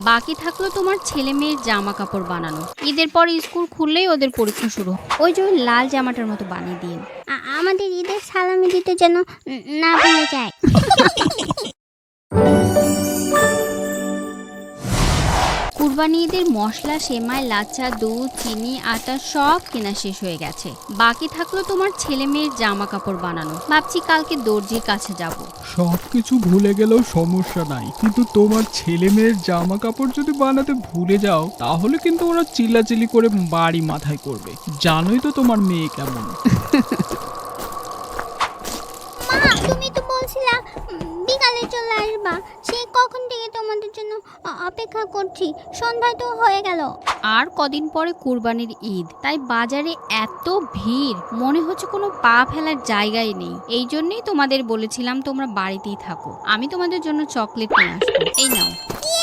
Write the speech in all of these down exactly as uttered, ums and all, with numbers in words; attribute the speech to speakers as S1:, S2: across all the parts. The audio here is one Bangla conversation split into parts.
S1: বাকি থাকলো তোমার ছেলে মেয়ের জামা কাপড় বানানো। ঈদের পর স্কুল খুললেই ওদের পরীক্ষা শুরু। ওই যে ওই লাল জামাটার মতো বানিয়ে দিন।
S2: আমাদের ঈদের সালামি দিতে যেন না ভুলে যায়।
S1: কুরবানি ঈদের মশলা, সেমাই, লাচ্ছা, দুধ, চিনি, আটা সব কেনা শেষ হয়ে গেছে। বাকি থাকলো তোমার ছেলে মেয়ের জামা কাপড় বানানো। ভাবছি কালকে দর্জির কাছে যাব।
S3: সবকিছু ভুলে গেলেও সমস্যা নাই, কিন্তু তোমার ছেলে মেয়ের জামা কাপড় যদি বানাতে ভুলে যাও তাহলে কিন্তু ওরা চিল্লাচিল্লি করে বাড়ি মাথায় করবে। জানোই তো তোমার মেয়ে কেমন।
S2: মা, তুমি তো বলছিলা বিকালে চলে আসবা। সে কখন থেকে তোমাদের জন্য অপেক্ষা করছি। সন্ধ্যা তো হয়ে গেল।
S1: আর কদিন পরে কুরবানির ঈদ, তাই বাজারে এত ভিড়, মনে হচ্ছে কোনো পা ফেলার জায়গাই নেই। এই জন্যই তোমাদের বলেছিলাম তোমরা বাড়িতেই থাকো, আমি তোমাদের জন্য চকলেট নিয়ে আসবো। এই নাও।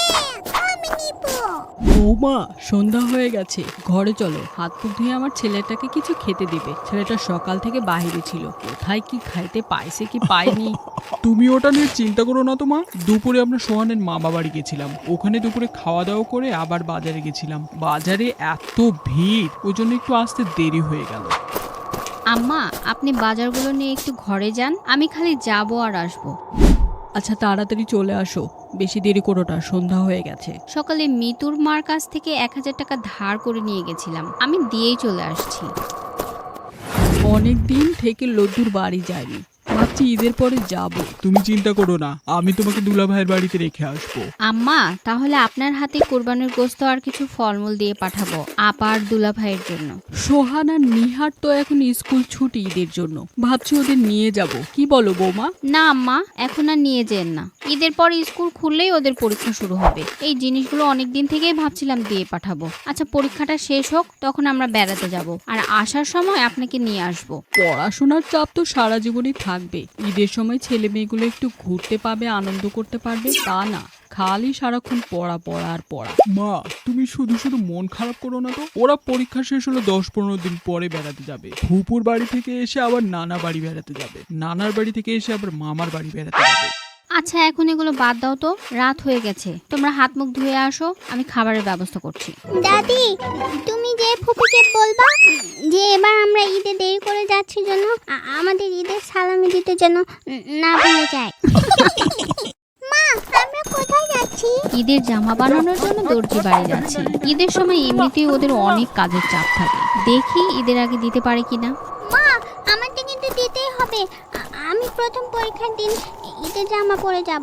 S4: বৌমা, সন্ধ্যা হয়ে গেছে, ঘরে চলো। হাত মুখ ধুয়ে আমার ছেলেটাকে কিছু খেতে দিবে। ছেলেটা সকাল থেকে বাইরে ছিল, কোথায় কি খাইতে পাইছে কি পায়নি।
S3: তুমি ওটা নিয়ে চিন্তা করো না তো মা। দুপুরে আমরা সোহানের মামা বাড়ি গেছিলাম, ওখানে দুপুরে খাওয়া দাওয়া করে আবার বাজারে গেছিলাম। বাজারে এত ভিড়, ওই জন্য একটু আসতে দেরি হয়ে গেল।
S1: আম্মা, আপনি বাজারগুলো নিয়ে একটু ঘরে যান, আমি খালি যাবো আর আসবো।
S4: আচ্ছা, তাড়াতাড়ি চলে আসো, বেশি দেরি করো না, সন্ধ্যা হয়ে গেছে।
S1: সকালে মিতুর মার কাছ থেকে এক হাজার টাকা ধার করে নিয়ে গেছিলাম, আমি দিয়েই চলে আসছি।
S4: অনেক দিন থেকে লদ্দুর বাড়ি যায়নি, ভাবছি ঈদের পরে যাব।
S3: তুমি চিন্তা করো না, আমি তোমাকে দুলা ভাইয়ের বাড়িতে রেখে আসবো।
S1: আম্মা, তাহলে আপনার হাতে কোরবানির গোশত আর কিছু ফলমূল দিয়ে পাঠাবো আপার দুলা ভাইয়ের জন্য।
S4: সোহান আর নিহার তো এখন স্কুল ছুটি ঈদের জন্য, ভাবছি ওদের নিয়ে যাব। কি বলো বৌমা?
S1: না আম্মা, এখন আর নিয়ে যেন না। ঈদের পর স্কুল খুললেই ওদের পরীক্ষা শুরু হবে। এই জিনিসগুলো অনেক দিন থেকেই ভাবছিলাম দিয়ে পাঠাবো। আচ্ছা, পরীক্ষাটা শেষ হোক, তখন আমরা বেড়াতে যাব, আর আসার সময় আপনাকে নিয়ে আসবো।
S4: পড়াশোনার চাপ তো সারা জীবনই থাকবে। ঈদের সময় ছেলে মেয়েগুলো একটু ঘুরতে পাবে, আনন্দ করতে পারবে, তা না খালি সারাক্ষণ পড়া পড়া আর পড়া।
S3: মা, তুমি শুধু শুধু মন খারাপ করো না তো। ওরা পরীক্ষা শেষ হলো দশ পনেরো দিন পরে বেড়াতে যাবে। ফুপুর বাড়ি থেকে এসে আবার নানা বাড়ি বেড়াতে যাবে, নানার বাড়ি থেকে এসে আবার মামার বাড়ি বেড়াতে যাবে।
S1: আচ্ছা, এখন এগুলো বাদ দাও তো, রাত হয়ে গেছে। তোমরা হাত মুখ ধুয়ে আসো, আমি খাবারের ব্যবস্থা করছি।
S2: দাদি, তুমি যে ফুপিকে বলবা যে এবার আমরা ঈদে দেরি করে যাচ্ছি জন্য আমাদের ঈদের সালামি দিতে যেন না ভুলে যায়। মা, আমরা কোথায় যাচ্ছি?
S1: ঈদের জামা বানানোর জন্য দর্জি বাড়ি যাচ্ছি। ঈদের সময় এমনিতেই ওদের অনেক কাজের চাপ থাকে, দেখি ঈদের আগে দিতে পারে কিনা।
S2: মা, আমাকে কিন্তু দিতেই হবে। আমি প্রথম পরীক্ষার দিন ঈদের জামা পরে যাব।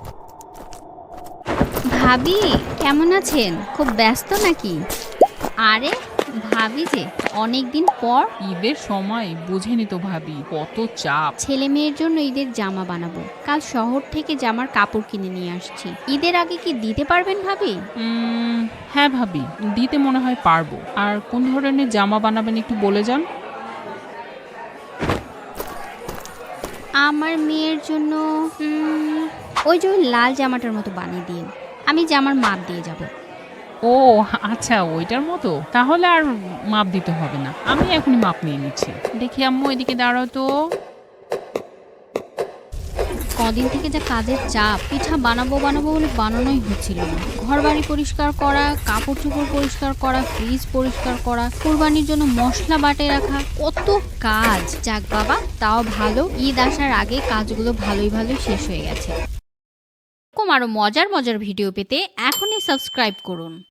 S1: ভাবি, কেমন আছেন? খুব ব্যস্ত নাকি? আরে ভাবি যে, অনেক দিন পর।
S5: ঈদের সময় বুঝেনি তো ভাবি, কত চাপ।
S1: ছেলে মেয়ের জন্য ঈদের জামা বানাবো, কাল শহর থেকে জামার কাপড় কিনে নিয়ে আসছি। ঈদের আগে কি দিতে পারবেন ভাবি?
S5: উম, হ্যাঁ ভাবি, দিতে মনে হয় পারবো। আর কোন ধরনের জামা বানাবেন একটু বলে যান।
S1: আমার মেয়ের জন্য উম, ওই যে ওই লাল জামাটার মতো বানিয়ে দিন, আমি জামার মাপ দিয়ে যাব।
S5: ও আচ্ছা, ওইটার মতো। তাহলে আর মাপ দিতে হবে না, আমি এখনই মাপ নিয়ে নিচ্ছি। দেখি আম্মু, এদিকে দাঁড়াও তো।
S1: কদিন থেকে যা কাজের চাপ, পিঠা বানাবো বানাবো বলে বানানোই হচ্ছিল না। ঘর বাড়ি পরিষ্কার করা, কাপড় চোপড় পরিষ্কার করা, ফ্রিজ পরিষ্কার করা, কোরবানির জন্য মশলা বাটে রাখা, কত কাজ। যাক বাবা, তাও ভালো ঈদ আসার আগে কাজগুলো ভালোই ভালোই শেষ হয়ে গেছে। এরকম আরো মজার মজার ভিডিও পেতে এখনই সাবস্ক্রাইব করুন।